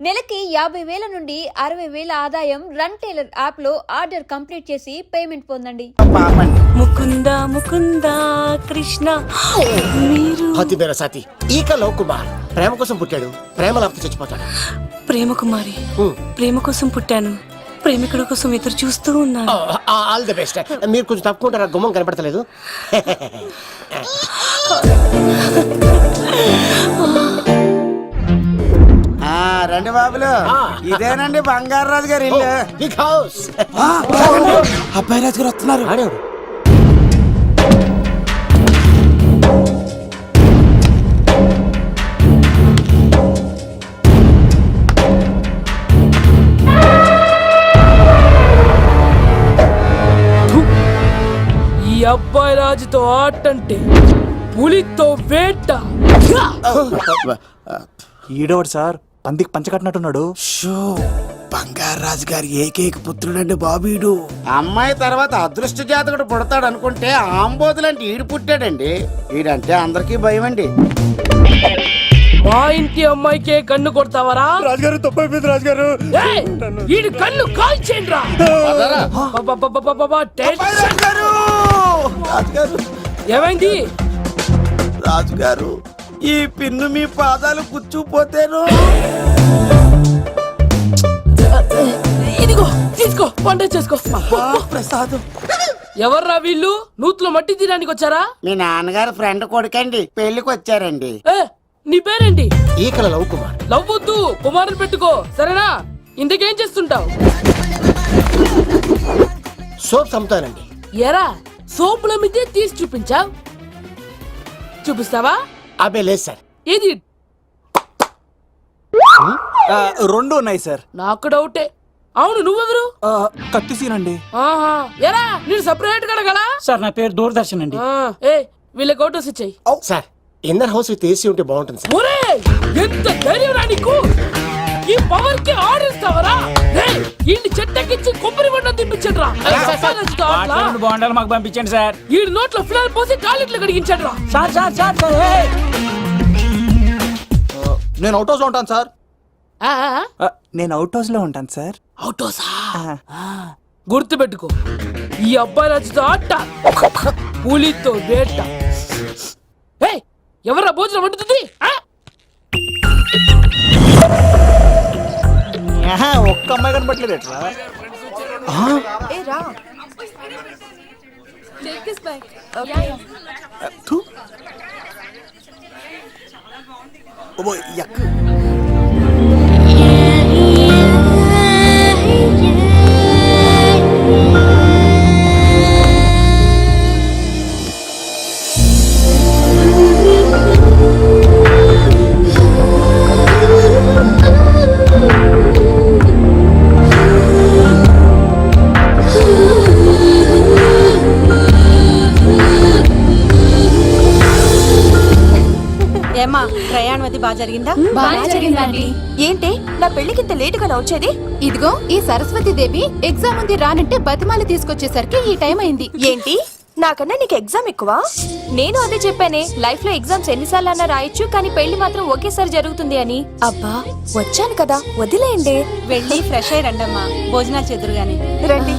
నెలకి 50,000 నుండి 60,000 ఆదాయం రన్ టైలర్ యాప్ లో ఆర్డర్ కంప్లీట్ చేసి పేమెంట్ పొందండి. ముకుంద ముకుంద కృష్ణ మీరు హతి మేరా సాతి ఈక లవ్ కుమార్ ప్రేమ కోసం పుట్టాడు, ప్రేమ లేకపోతే చచ్చిపోతాడు. ప్రేమ కుమారి, ప్రేమ కోసం పుట్టాను, ప్రేమికుడు కోసం ఎదురు చూస్తూ ఉన్నాను. All the best. మీరు కొంచెం తప్పుకుంటారా, గుమ్మం కనపడతలేదు. రండి బాబులు, ఇదేనండి బంగారు రాజు గారి ఇల్లు. Big house. అబ్బాయి రాజు గారు వస్తున్నారు. ఆడేవాడు ఈ అబ్బాయి రాజుతో ఆటంటే పులితో వేట. ఈడోడు సార్ పందికి పంచకట్టినట్టున్నాడు. షో బంగారు రాజు గారి ఏకైక పుత్రుడండి బాబీడు. అమ్మాయి తర్వాత అదృష్ట జాతకుడు పుడతాడు అనుకుంటే ఆంబోతులంటే ఈడు పుట్టాడండి. ఈడంటే అందరికీ భయం అండి. మా ఇంటి అమ్మాయికే కన్ను కొడతావరా? రాజుగారు తప్పైపోయింది రాజుగారు. ఈడు కన్ను కాల్చేయండి రా. రాజుగారు ఏమైంది? రాజుగారు ఈ పిన్ను మీ పాదాలు కూర్చుపోతేను. ఇదిగో తీసుకో, పంట చేసుకో. ప్రసాదం. ఎవర్రా వీళ్ళు? నూతులో మట్టి తీయడానికి వచ్చారా? మీ నాన్నగారు ఫ్రెండ్ కొడుకండి, పెళ్లికి వచ్చారండి. నీ పేరేంటి? ఈకల లవ్ కుమార్. లవ్వొద్దు, కుమారుని పెట్టుకో, సరేనా? ఇంతకేం చేస్తుంటావు? సోప్స్ అమ్ముతానండి. ఎరా సోపుల మీదే తీసి చూపించావు, చూపిస్తావా? అబ్బే లేదు సార్. ఏది? రెండు ఉన్నాయి సార్. నాకు డౌటే. అవును, నువ్వెవరు? కత్తి సీనండి. ఆహా, ఎరా నేను సపరేట్ కడగలా? సార్ నా పేరు దూరదర్శన్ అండి. ఏ వీళ్ళకి అవుటోస్ ఇచ్చాయి. Sir inner house with AC ఉంటే బాగుంటుంది సార్. ఒరే ఎంత ధైర్యం రా నీకు! ఈ పవర్ కి ఆడిస్తావరా? ఈ చెట్టెక్కించి కొబ్బరి బండ తిప్పించండి రా. బాగుండాలి మాకు పంపించండి సార్. ఈ నోట్లో ఫినాల్ పోసి కాలిట్లు కడిగించండి రా. సార్ సార్ సార్ సార్ నేను అవుట్ హౌస్ లో ఉంటాను సార్. ఆ, నేను అవుట్ హౌస్ లో ఉంటాను సార్. అవుటోసా? గుర్తు పెట్టుకో, ఈ అబ్బాయి రాజుతో ఆట, పులితో వేట. ఎవరా భోజనం వండుతుంది? ఒక్క అమ్మాయి కనబట్లేదు ఎట్లా? ఏమా ప్రయాణం అది బాగా జరిగిందా? బాగా జరిగిందండి. ఏంటి నా పెళ్లికి ఇంత లేట్ గా వచ్చేది? ఇదిగో ఈ సరస్వతి దేవి ఎగ్జామ్ ఉంది రానంటే బతిమాలి తీసుకొచ్చేసరికి ఈ టైం అయింది. ఏంటి నాకన్నా నీకు ఎగ్జామ్ ఎక్కువ? నేను అదే చెప్పానే, లైఫ్ లో ఎగ్జామ్స్ ఎన్నిసార్లు అన్నా రాయొచ్చు, కానీ పెళ్లి మాత్రం ఒకేసారి జరుగుతుంది అని. అబ్బా వచ్చాను కదా, వదిలేయండి. వెళ్ళి ఫ్రెష్ అయ్యి రండమ్మా, భోజనాలు చెదురు గాని. రండి.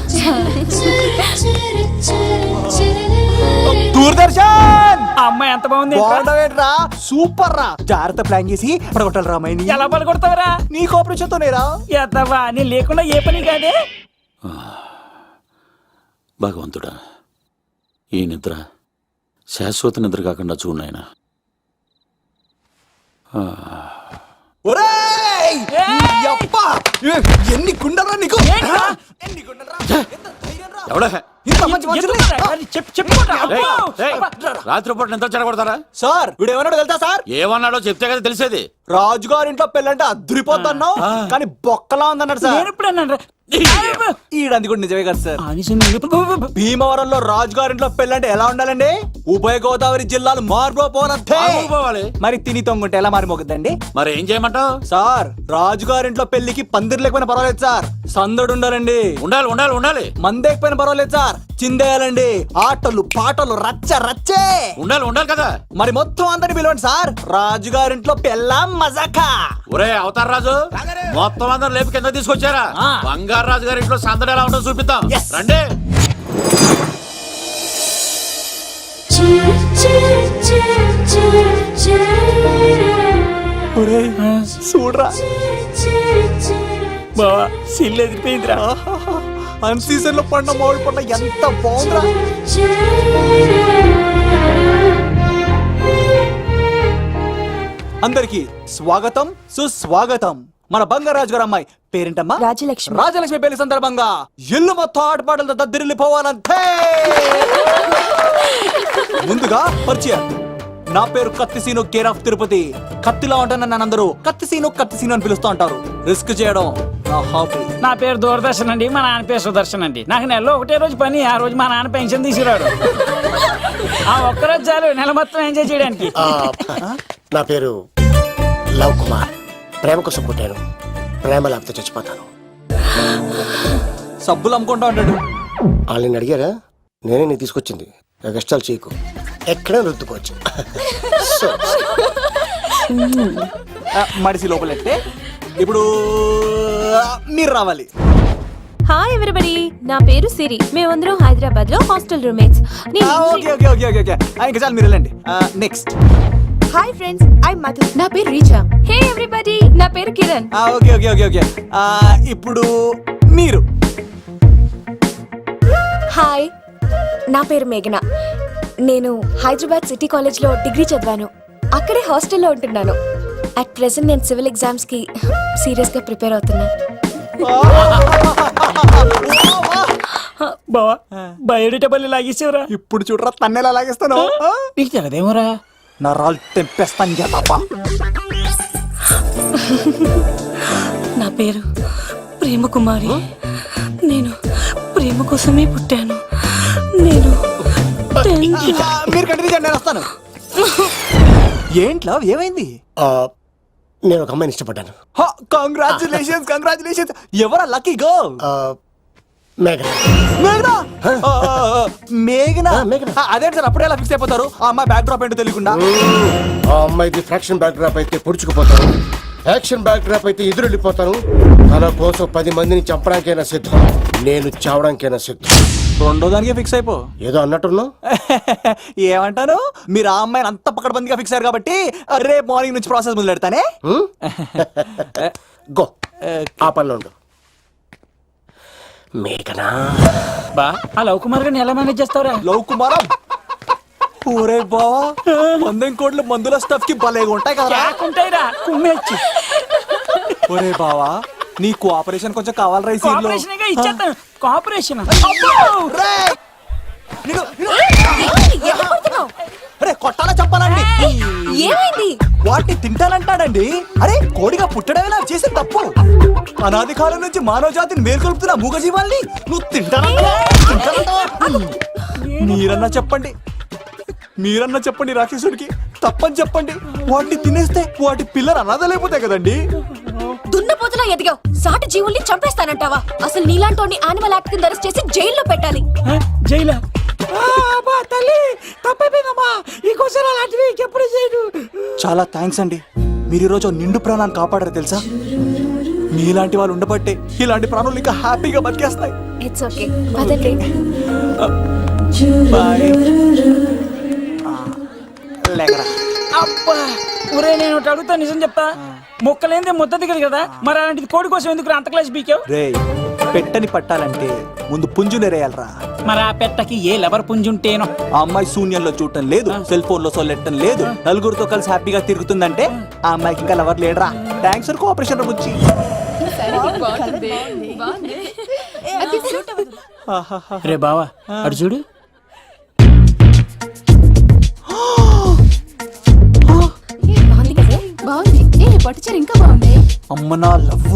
దూరదర్శన్ అమ్మాయి ఎంత బాగుంది. బాగుండవేట్రా, సూపర్ రా. జాగ్రత్త ప్లాన్ చేసి పడగొట్టాలి రామాయణి. ఎలా పలుకొడతావరా? నీ కోఆపరేషన్ తోనేరా. ఎద్దవా నేను లేకుండా ఏ పని కాదే. భగవంతుడా, ఈ నిద్ర శాశ్వత నిద్ర కాకుండా చూడాయన. ఒరేయ్! యప్పా! ఎన్ని గుండెలరా నీకు? ఎన్ని గుండెలరా? ఎంత ధైర్యం రా? ఎవడా ఇంత మంచి మనుషుల్ని- రాత్రిపూట నిద్ర చెడగొడతారా? సార్ వీడు ఏమన్నాడు తెలుసా సార్? ఏమన్నాడో చెప్తే కదా తెలిసేది. రాజుగారింట్లో పెళ్ళంటే అద్దరిపోతున్నావు, కానీ బొక్కలా ఉందన్నాడు సార్. నేను ఇప్పుడు అన్నాను. ఈడంది కూడా నిజమే కదా సార్. భీమవరంలో రాజుగారింట్లో పెళ్ళంటే ఎలా ఉండాలండి? ఉభయ గోదావరి జిల్లాలు మారిపోతే మరి తిని తొంగుంటే ఎలా మారిపోతుందండి? మరి ఏం చేయమంటావు? సార్ రాజుగారింట్లో పెళ్లికి పందిరి లేకపోయినా పర్వాలేదు సార్, సందడు ఉండాలండి. ఉండాలి ఉండాలి ఉండాలి. మందేకపోయినా పర్వాలేదు సార్, సార్ చిందేయాలండి. ఆటలు పాటలు రచ్చ రచ్చే. ఉండాలి కదా. మరి మొత్తం అందరిని పిలవండి సార్. రాజుగారింట్లో పెళ్ళాం మజాకా. ఒరే అవతార్ రాజు, మొత్తం అందరూ లేపు కింద తీసుకొచ్చారా? బంగారు రాజు గారి ఇంట్లో సందడి ఎలా ఉంటుందో చూపిద్దాం. Yes. రండి. ఒరేయ్, చూడరా బావా సిల్లు ఎదిరిపోయిందిరా. అన్ సీజన్ లో పడిన మామిడి పండ్ల ఎంత బాగుందిరా. అందరికి స్వాగతం సుస్వాగతం. మన బంగారాజు గారు అమ్మాయి పేరేంటమ్మా? రాజలక్ష్మి. రాజలక్ష్మి పెళ్లి సందర్భంగా ఇల్లు మొత్తం ఆటపాటలతో దద్దరిల్లిపోవాలంతే. ముందుగా పరిచయం. నా పేరు కత్తిసీను, కేర్ ఆఫ్ తిరుపతి. కత్తిలా ఉంటాను నన్ను అందరూ కత్తిసీను అని పిలుస్తూ ఉంటారు. రిస్క్ చేయడం నా హాబీ. నా పేరు దూరదర్శన్ అండి, మా నాన్న పేరు సుదర్శన్ అండి. నాకు నెలలో ఒకటే రోజు పని, ఆ రోజు మా నాన్న పెన్షన్ తీసుకురాడు. ఆ ఒక్కరోజు చాలు నెల మొత్తం ఎంజాయ్ చేయడానికి. నా పేరు లవ్ కుమార్. ప్రేమ కోసం పుట్టాను, ప్రేమ లేకపోతే చచ్చిపోతాను. సబ్బులు అమ్ముకుంటా ఉంటాడు. వాళ్ళని అడిగారా? నేనే నీకు తీసుకొచ్చింది. కష్టాలు చేయకు, ఎక్కడ రుద్దుకోవచ్చు. సో, మడిసి లోపలెట్టే. ఇప్పుడు మీరు రావాలి. హాయ్ ఎవరిబడి, నా పేరు సిరి. మేమందరం హైదరాబాద్ లో hostel roommates. Okay okay okay okay okay. ఇంకా చాలు, మీరు వెళ్ళండి. Next. Hi friends, I Madhu. నా పేరు రీచా. హే ఎవ్రీబడి, నా పేరు Kiran. Okay okay okay okay. ఇప్పుడు మీరు. హాయ్, నా పేరు మేఘన. నేను హైదరాబాద్ సిటీ కాలేజ్ లో డిగ్రీ చదివాను. అక్కడే హాస్టల్లో ఉంటున్నాను. అట్ ప్రెసెంట్ నేను సివిల్ ఎగ్జామ్స్ కి సీరియస్ గా ప్రిపేర్ అవుతున్నా. బావా బయోడేటా బల్లి లాగేసేవరా. ఇప్పుడు చూడరా తన్నెలా లాగేస్తాను. నీకు తెగదేమోరా. నా రాళ్ళు తెంపేస్తాను తప్ప. నా పేరు ప్రేమ కుమారి. నేను ప్రేమ కోసమే పుట్టాను. నేను మీరు కంటిన్యూ చేయండి, నేను వస్తాను. ఏంట్లో ఏమైంది? నేను ఒక అమ్మాయిని ఇష్టపడ్డాను. Congratulations congratulations. ఎవరా లక్కీ గర్ల్? మేఘన. మేఘనా? మేఘనా? మేఘనా. అదేంటి సార్ అప్పుడే ఎలా ఫిక్స్ అయిపోతారు? ఆ అమ్మాయి బ్యాక్ డ్రాప్ ఏంటో తెలియకుండా. ఆ అమ్మాయిది ఫ్రాక్షన్ బ్యాక్ డ్రాప్ అయితే పొడుచుకుపోతాను, యాక్షన్ బ్యాక్ డ్రాప్ అయితే ఎదురెళ్ళిపోతాను. తన కోసం 10 మందిని చంపడానికైనా సిద్ధం, నేను చావడానికైనా సిద్ధం. రెండో దానికే ఫిక్స్ అయిపో. ఏదో అన్నట్టున్నావు. ఏమంటాను? మీరు ఆ అమ్మాయిని అంత పకడ్బందీగా ఫిక్స్ అయ్యారు కాబట్టి రేపు మార్నింగ్ నుంచి ప్రాసెస్ మొదలు పెడతానే. గో, ఆ పనిలో ఉండు. మేఘనా. బా ఆ లవ్ కుమార్ గారిని ఎలా మేనేజ్ చేస్తావురా? లవ్ కుమారం. ఊరే బావా, 100 కోట్ల మందుల స్టఫ్ కి భలేగా ఉంటాయి కదా. ఉంటాయిరా కుమ్మేచ్చి. ఒరే బావా, నీ కోఆపరేషన్ కొంచెం కావాలరా ఈ సీన్ లో. కోఆపరేషన్ గా ఇచ్చేస్తాను. కోఆపరేషన్. అరే కొట్టాలా చెప్పాలండి? ఏమైంది? వాటిని తింటానంటాడండి. అరే కోడిగా పుట్టడమే నాకు చేసే తప్పు. అనాది కాలం నుంచి మానవ జాతిని మేల్కొల్పుతున్న మూగజీవాల్ని నువ్వు తింటానంటా? మీరన్నా చెప్పండి, మీరన్నా చెప్పండి రాక్షసుడికి. తప్పని చెప్పండి. వాటిని తినేస్తే వాటి పిల్లలు అనాథలైపోతాయి కదండి. దున్నపోతులా ఎదిగావు, సాటి జీవుల్ని చంపేస్తానంటావా? అసలు నీలాంటి యానిమల్ యాక్ట్ కింద అరెస్ట్ చేసి జైల్లో పెట్టాలి. జైలా? తల్లి తప్పైపోయిందమ్మా, ఇంకోసారి అలాంటివి ఎప్పుడు చేయడు. చాలా థ్యాంక్స్ అండి, మీరు ఈరోజు నిండు ప్రాణాన్ని కాపాడారు తెలుసా. మీలాంటి వాళ్ళు ఉండబట్టే ఇలాంటి ప్రాణులు ఇంకా హ్యాపీగా బతికేస్తాయి. ఇట్స్ ఓకే, పదండి. బాయ్. లేకరా. అబ్బా ఒరే, నేను ఒకటి అడుగుతా, నిజం చెప్తా. మొక్కలేందే ముద్ద దిగదు కదా, మరి అలాంటిది కోడి కోసం ఎందుకు అంత క్లాస్ బీకావు? రే, పెట్టని పట్టాలంటే ముందు పుంజు నెరేయాలరా. మరి ఆ పెట్టకి ఏ లవర్ పుంజుంటేనో. ఆ అమ్మాయి శూన్యంలో చూడటం లేదు, సెల్ ఫోన్ లో సొల్లెట్టడం లేదు, నలుగురితో కలిసి హ్యాపీగా తిరుగుతుందంటే ఆ అమ్మాయికి ఇంకా లవర్ లేడరా. Thanks for cooperation Bujji. రే బావా అడు చూడు. బాగుంది. పట్టుచారు ఇంకా బాగుంది. అమ్మ నా లవ్.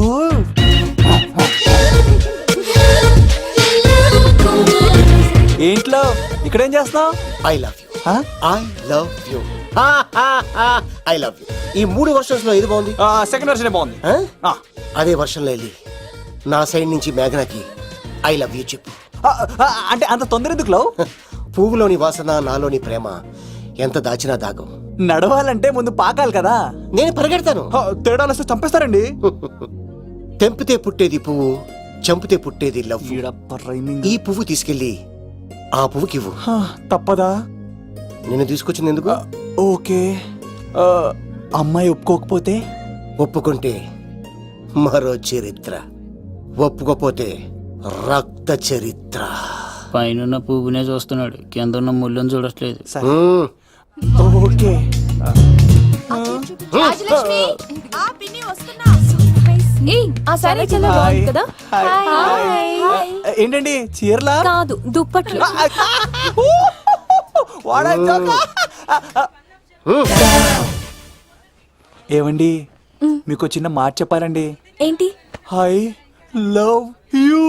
ఏంట్లో ఇక్కడేం చేస్తున్నావు? I love you. I love you. I love you. ఈ 3 వర్షన్స్ లో ఏది బాగుంది? సెకండ్ వర్షన్ బాగుంది. అదే వర్షంలో వెళ్ళి నా సైడ్ నుంచి మేఘనాకి ఐ లవ్ యూ చెప్పు. అంటే అంత తొందర ఎందుకు లవ్? పువ్వులోని వాసన నాలోని ప్రేమ ఎంత దాచినా దాగం. నడవాలంటే ముందు పాకాలి కదా. నేను పరిగెడతాను. తేడాలు వస్తే చంపేస్తారండి. తెంపితే పుట్టేది పువ్వు, చంపితే పుట్టేది లవ్. ఈ పువ్వు తీసుకెళ్ళి ఆ పువ్వుకివ్వు. తప్పదా? నిన్ను తీసుకొచ్చింది ఎందుకు? ఓకే. అమ్మాయి ఒప్పుకోకపోతే? ఒప్పుకుంటే మరో చరిత్ర, ఒప్పుకోపోతే రక్త చరిత్ర. పైన పువ్వునే చూస్తున్నాడు, కింద ఉన్న ముళ్ళని చూడట్లేదు. మ్మ్. ఓకే. రాజలక్ష్మి ఏయ్, ఆ సారీ చాలా బాగుంది కదా. ఏంటండి చీరలా? కాదు, దుప్పట్లు. వాడా జోకా? ఏమండి, మీకు చిన్న మాట చెప్పాలండి. ఏంటి? I love you.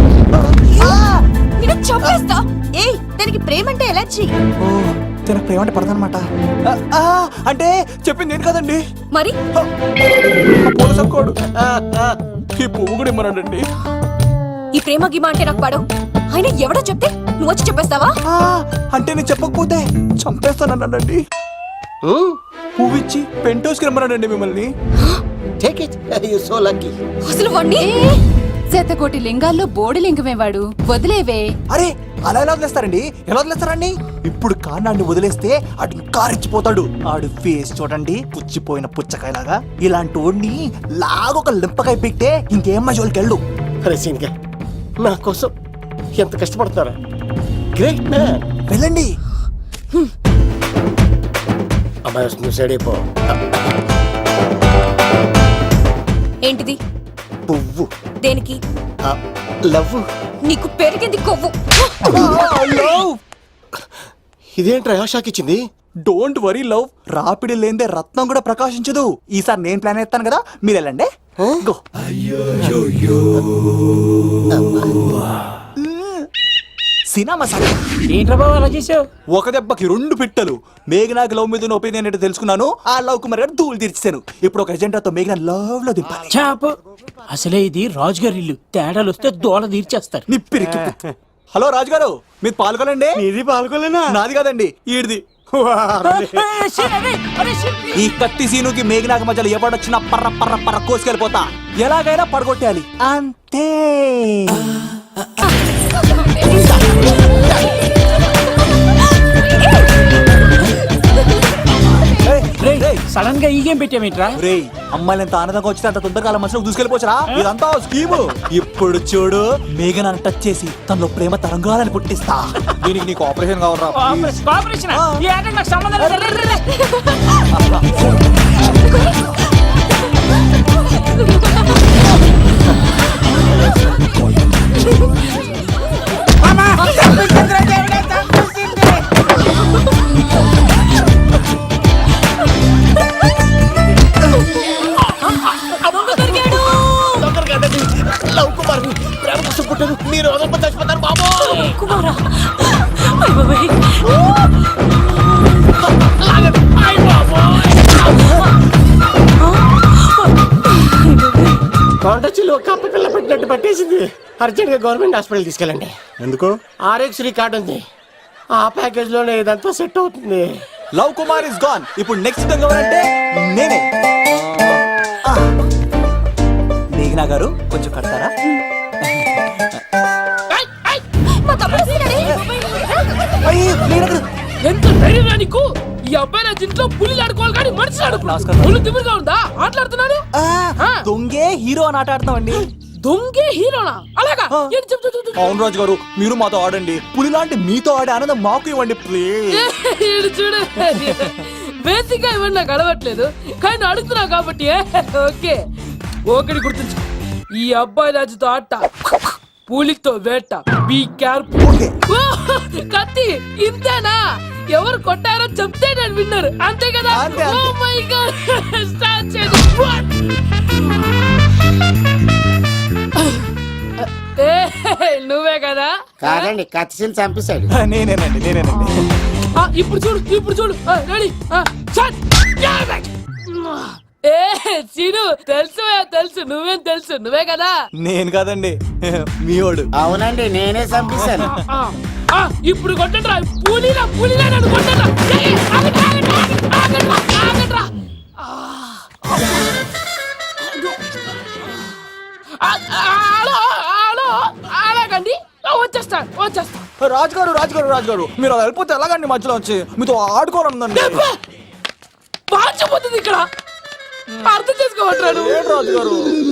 నేను చంపేస్తా. ఏయ్, దానికి ప్రేమ అంటే ఎలర్జీ. ఓ, తన ప్రేమ అంటే పడదనమాట. అంటే చెప్పింది నేను కదండి. మరి పోలసంకోడు ఈ పువ్వు కూడా ఇమ్మన్నాడండి. ఈ ప్రేమ గిమ అంటే నాకు పడవు. అయినా ఎవడో చెప్తే నువ్వు వచ్చి చెప్పేస్తావా? అంటే నేను చెప్పకపోతే చంపేస్తానన్నాడండి. మ్మ్. పువ్వు ఇచ్చి పెంటోస్కి రమ్మన్నాడండి మిమ్మల్ని. Take it. You're so lucky. అసలు వాణ్ణి శతకోటి లింగాల్లో బోడి లింగమేవాడు, వదిలేవే. అరే, అలా ఎలా వదిలేస్తారండి? ఎలా వదిలేస్తారండి? ఇప్పుడు కాన్నాడిని వదిలేస్తే ఆడు ఇంకా రెచ్చిపోతాడు. ఆడు ఫేస్ చూడండి, పుచ్చిపోయిన పుచ్చకాయలాగా. ఇలాంటి వాడిని లాగొక లింపకాయ పెట్టే ఇంకేం మజోలికి వెళ్ళు. అరే సీన్గా, నా కోసం ఎంత కష్టపడతారా? Great man. వెళ్ళండి. అమ్మాయి వస్తుంది, సైడ్ అయిపో. ఏంటిది? పువ్వు. దేనికి? లవ్. నీకు పెరిగింది కొవ్వు. ఇదేంట్రా షాక్ ఇచ్చింది? డోంట్ వరీ లవ్, రాపిడి లేదే రత్నం కూడా ప్రకాశించదు. ఈసారి నేను ప్లాన్ ఎత్తాను కదా, మీరు వెళ్ళండి. గో. Cinema sir. ఏంట్రా బాబు అలా చేసావు? ఒక దెబ్బకి 2 పిట్టలు. మేఘనాకి లవ్ మీద ఒపీనియన్ ఏంటో తెలుసుకున్నాను. ఆ లవ్ కుమార్ గారు ధూళి తీర్చాను. ఇప్పుడు ఒక ఎజెండాతో మేఘనా లవ్ లో దింపాలి. చాపు. అసలే ఇది రాజుగారి ఇల్లు, తేడాలు వస్తే దోళ తీర్చేస్తారు. నిప్పిరికి. హలో రాజుగారు, మీరు పాల్గొనండి. ఇది పాల్గొలేనా? నాది కాదండి, ఈడిది. ఈ కత్తి సీనుకి మేఘనాకి మధ్యలో ఎవడొచ్చినా పర్ర పర్ర పర్ర కోసుకెళ్ళిపోతా. ఎలాగైనా పడగొట్టాలి అంతే. సడన్ గా ఈ గేమ్ పెట్టామేంట్రా? రేయ్, అమ్మాయిలు ఎంత ఆనందంగా వచ్చితే అంత తొందరగా మనసులో దూసుకెళ్ళిపోవచ్చురా. ఇదంతా స్కీము. ఇప్పుడు చూడు, మేఘనాన్ని టచ్ చేసి తనలో ప్రేమ తరంగాలని పుట్టిస్తా. దీనికి నీకు ఆపరేషన్ కావాలరా? కోఆపరేషన్ ఈ ఆటకి నాకు సంబంధం లేదు. లవ్ కుమార్ ప్రేమ కోసం పుట్టాను. మీరు వదలకపోతే చచ్చిపోతారు బాబు. కుమారా, కాంటాక్ట్లో కప్ప పిల్ల పెట్టినట్టు పట్టేసింది. అర్జెంట్ గా గవర్నమెంట్ హాస్పిటల్ తీసుకెళ్ళండి. ఎందుకు? ఆర్ఎక్స్ కార్డు ఉంది, ఆ ప్యాకేజ్ లోనే ఇదంతా సెట్ అవుతుంది. Love Kumar is gone. ఇప్పుడు నెక్స్ట్ ఎవరంటే నేనే. మేఘనా గారు కొంచెం కడతారా? మా తమ్ముడు వస్తున్నాడే. ఎంత ధైర్యం నీకు? ఈ అబ్బాయి నా ఇంట్లో పులిలు ఆడుకోవాలి కానీ మనిషి నమస్కారం. పులి తిమ్మిరిగా ఉందా? ఆటలాడుతున్నాడు. దొంగే హీరో అని ఆట ఆడుతున్నామండి. దొంగే హీరోనా? అలాగా? ఏంటి చెప్పు, చెప్పు, చెప్పు. అవును రాజు గారు, మీరు మాతో ఆడండి. పులి లాంటి మీతో ఆడే ఆనందం మాకు ఇవ్వండి ప్లీజ్. ఈడు చూడు, బేసిక్ గా ఇవన్నీ నాకు అలవట్లేదు, కానీ అడుగుతున్నా కాబట్టి ఓకే. ఒకటి గుర్తుంచు, ఈ అబ్బాయి రాజుతో ఆట, పులితో వేట. Be careful. కత్తి ఇంతేనా? ఎవరు కొట్టారో చెప్తే నేను విన్నారు, అంతే కదా? అంతే, అంతే. Oh my God. Start చేయండి. నువ్వే కదా? కాదండి, కత్తిని చంపేశాడు. నేనేనండి. ఇప్పుడు చూడు, ఇప్పుడు చూడు. రెడీ? ఏ సీను తెలుసు నువ్వేం తెలుసు నువ్వే కదా. నేను కాదండి మీవాడు. అవునండి నేనే చంపేశాను. ఆ, ఆ, ఇప్పుడు కొట్టండిరా పూలీలా నన్ను కొట్టండిరా. ఏయ్, ఆగండ్రా. అలాగండి వచ్చేస్తా. రాజుగారు మీరు అలా వెళ్ళిపోతే ఎలాగండి మధ్యలో వచ్చి మీతో ఆడుకోవాలందండి. మార్చిపోతుంది ఇక్కడ, అర్థం చేసుకోవట్లేదు. రాజుగారు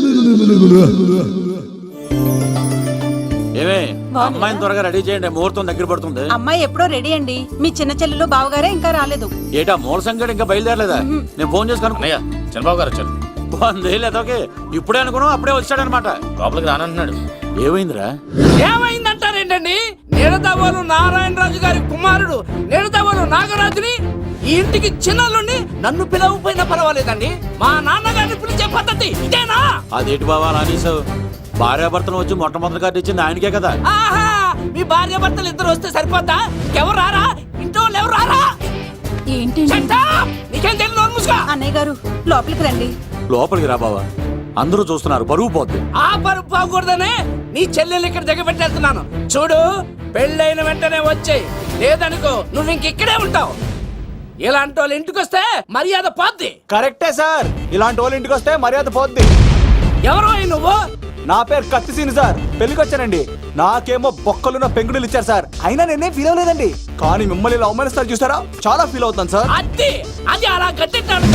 ఏమే అమ్మాయిని త్వరగా రెడీ చేయండి, ముహూర్తం దగ్గర పడుతుంది. అమ్మాయి ఎప్పుడో రెడీ అండి. మీ చిన్న చెల్లెలు బావగారే ఇంకా రాలేదు. ఏటా మూల సంగడి ఇంకా బయలుదేరలేదా? నేను ఫోన్ చేసి కనుక్కున్నాయా. చంద్రబాబు గారు వచ్చారు. లేదోకే ఇప్పుడే అనుకున్నాం, అప్పుడే వచ్చాడనమాట. లోపలికి రానంటున్నాడు. ఏమైందిరా? ఏమైందంటారేంటండి? నిడదవోలు నారాయణరాజు గారి కుమారుడు నిడదవోలు నాగరాజుని ఈ ఇంటికి చిన్నల్లుండి నన్ను పిలవకపోయినా పర్వాలేదండి, మా నాన్నగారిని పిలిచే పద్ధతి ఇదేనా? అదేంటి బాబా అలా అనేసావు? భార్యాభర్తను వచ్చి మొట్టమొదటి కార్డు ఇచ్చింది ఆయనకే కదా. ఆహా, మీ భార్య భర్తలు ఇద్దరు వస్తే సరిపోద్దా? ఎవరు రారా? ఇంట్లో వాళ్ళు ఎవరు రారా? ఏంటి Shut up! నీకేం తెలియదు, నోరు మూసుకో. అన్నయ్య గారు లోపలికి రండి. లోపలికి రా బావా, అందరూ చూస్తున్నారు, పరుగు పోద్ది. ఆ పరుపు పోకూడదనే నీ చెల్లెలు ఇక్కడ దిగబెట్టేస్తున్నాను. చూడు, పెళ్ళైన వెంటనే వచ్చేయ్, లేదనుకో నువ్వు ఇంకిక్కడే ఉంటావు. ఇలాంటి వాళ్ళు ఇంటికి వస్తే మర్యాద పోద్ది. కరెక్టే సార్, ఇలాంటి వాళ్ళ ఇంటికి వస్తే మర్యాద పోద్ది. ఎవరో నువ్వు? నా పేరు కత్తిసీని సార్, పెళ్లికి వచ్చానండి. నాకేమో బొక్కలున్న పెంగుడులు ఇచ్చారు సార్, అయినా నేనే ఫీల్ అవ్వలేదండి. కానీ మిమ్మల్ని ఇలా అవమానిస్తారు చూసారా, చాలా ఫీల్ అవుతాను సార్. అది అలా గట్టెట్టాడు.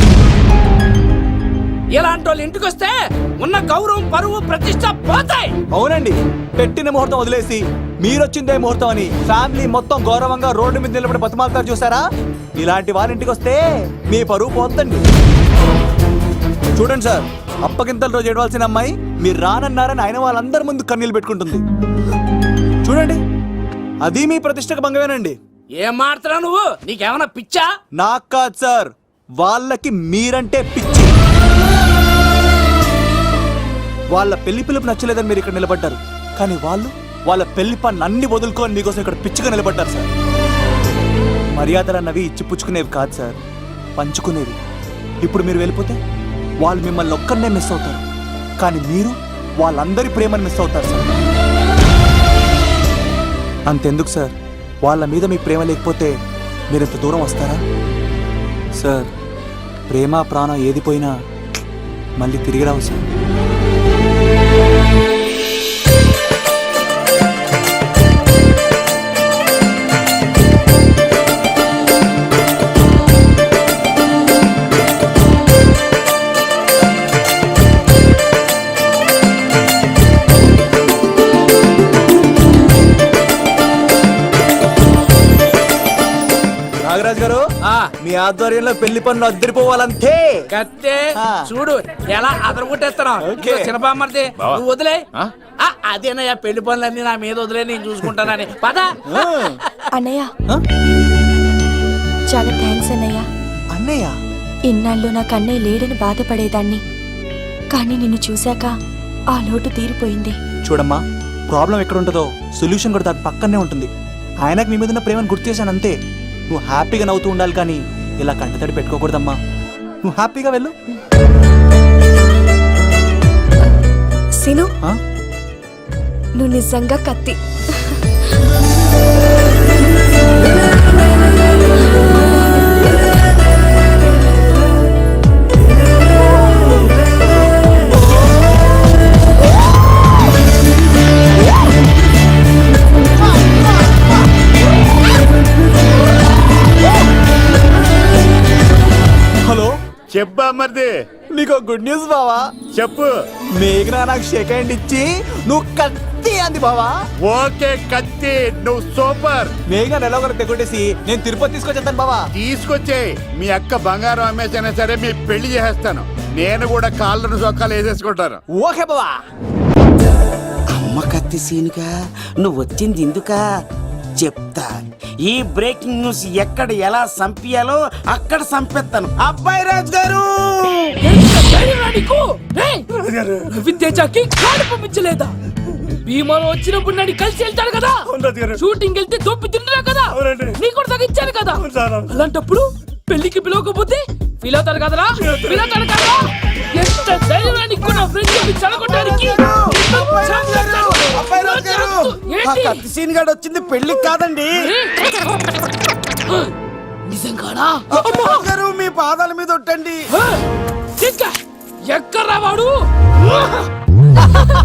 ఇలాంటి వాళ్ళు ఇంటికి వస్తే ఉన్న గౌరవం, పరువు, ప్రతిష్ట పోతాయి. అవునండి, పెట్టిన ముహూర్తం వదిలేసి మీరొచ్చిందే ముహూర్తం అని ఫ్యామిలీ మొత్తం గౌరవంగా రోడ్డు మీద నిలబడి బతిమాలుతారు చూసారా, ఇలాంటి వారి ఇంటికి వస్తే మీ పరువు పోతండి. చూడండి సార్, అప్పగింతల రోజు ఏడవలసిన అమ్మాయి మీరు రానన్నారని ఆయన వాళ్ళందరి ముందు కన్నీళ్ళు పెట్టుకుంటుంది. చూడండి, అది మీ ప్రతిష్టకు భంగమేనండి. ఏం మాట్లాడుతున్నావు నువ్వు? నీకేమైనా పిచ్చా? నాకు కాదు సార్, వాళ్ళకి మీరంటే పిచ్చి. వాళ్ళ పెళ్లి పిలుపు నచ్చలేదని మీరు ఇక్కడ నిలబడ్డారు, కానీ వాళ్ళు వాళ్ళ పెళ్లి పనులు అన్ని వదులుకొని మీకోసం ఇక్కడ పిచ్చిగా నిలబడ్డారు సార్. మర్యాదలు అన్నవి ఇచ్చి పుచ్చుకునేవి కాదు సార్, పంచుకునేవి. ఇప్పుడు మీరు వెళ్ళిపోతే వాళ్ళు మిమ్మల్ని ఒక్కరినే మిస్ అవుతారు, కానీ మీరు వాళ్ళందరి ప్రేమను మిస్ అవుతారు సార్. అంతెందుకు సార్, వాళ్ళ మీద మీ ప్రేమ లేకపోతే మీరు ఇంత దూరం వస్తారా సార్? ప్రేమ ప్రాణం ఏది పోయినా మళ్ళీ తిరిగి రావు సార్. నాగరాజ్ గారు, మీ ఆధ్వర్యంలో పెళ్లి పనులు అద్దరిపోవాలంతే. కత్తే చూడు ఎలా అదరగొట్టేస్తున్నావు. ఓకే. చిన్నబామ్మర్ది నువ్వు వదిలే. అదేనయ్యా, పెళ్లి పనులన్నీ నా మీద వదిలే, నేను చూసుకుంటానని. పద. అన్నయ్య, చాలా థ్యాంక్స్ అన్నయ్య. అన్నయ్య, ఇన్నాళ్ళు నాకు అన్నయ్య లేడని బాధపడేదాన్ని, కానీ నిన్ను చూశాక ఆ లోటు తీరిపోయింది. చూడమ్మా, ప్రాబ్లం ఎక్కడ ఉంటుందో సొల్యూషన్ కూడా దాని పక్కనే ఉంటుంది. ఆయనకు మీ మీద ఉన్న ప్రేమను గుర్తు చేశాను అంతే. నువ్వు హ్యాపీగా నవ్వుతూ ఉండాలి, కానీ ఇలా కంటతడి పెట్టుకోకూడదమ్మా. నువ్వు హ్యాపీగా వెళ్ళు. సిను, నువ్వు నిజంగా కత్తి. హలో, చెప్పా మరిది, నీకు గుడ్ న్యూస్ బావా. చెప్పు. మేఘనా నాకు షేక్ హ్యాండ్ ఇచ్చి నువ్వు కత్తి అంది బావా. ఓకే కత్తి, నువ్వు సూపర్. మేఘనా ఎలా ఒకరు తెగొట్టేసి నేను తిరుపతి తీసుకొచ్చేస్తాను బావా. తీసుకొచ్చే మీ అక్క బంగారం అమ్మేసైనా సరే మీ పెళ్లి చేసేస్తాను. నేను కూడా కాళ్ళను సొక్కాలు వేసేసుకుంటాను. ఓకే బావా. అమ్మ కత్తి సీనుగా నువ్వు వచ్చింది ఎందుకా చెప్తా. ఈ బ్రేకింగ్ న్యూస్ ఎక్కడ ఎలా సంపియాలో అక్కడ సంపెత్తాను. అబ్బాయి రాజు గారు, విద్యాకి కాడు పంపించలేదా? భీమాలో వచ్చినప్పుడు నన్ను కలిసి వెళ్తాడు కదా, షూటింగ్ వెళ్తే దొప్పి తింటున్నా కదా, నీ కూడా తగ్గించాను కదా. అలాంటప్పుడు పెళ్లికి పిలవకపోతే ఫీల్ అవుతాడు కదరా? ఫీల్ అవుతాడు కదరా? ఎంత ధైర్యాన్ని నా ఫ్రెండ్ చెడగొట్టడానికి ఆ కత్తి సీన్ గాడు వచ్చింది పెళ్లికి కాదండి. నిజంగానా? అబ్బాయి గారు మీ పాదాల మీద ఒట్టండి. ఎక్కడ్రా వాడు?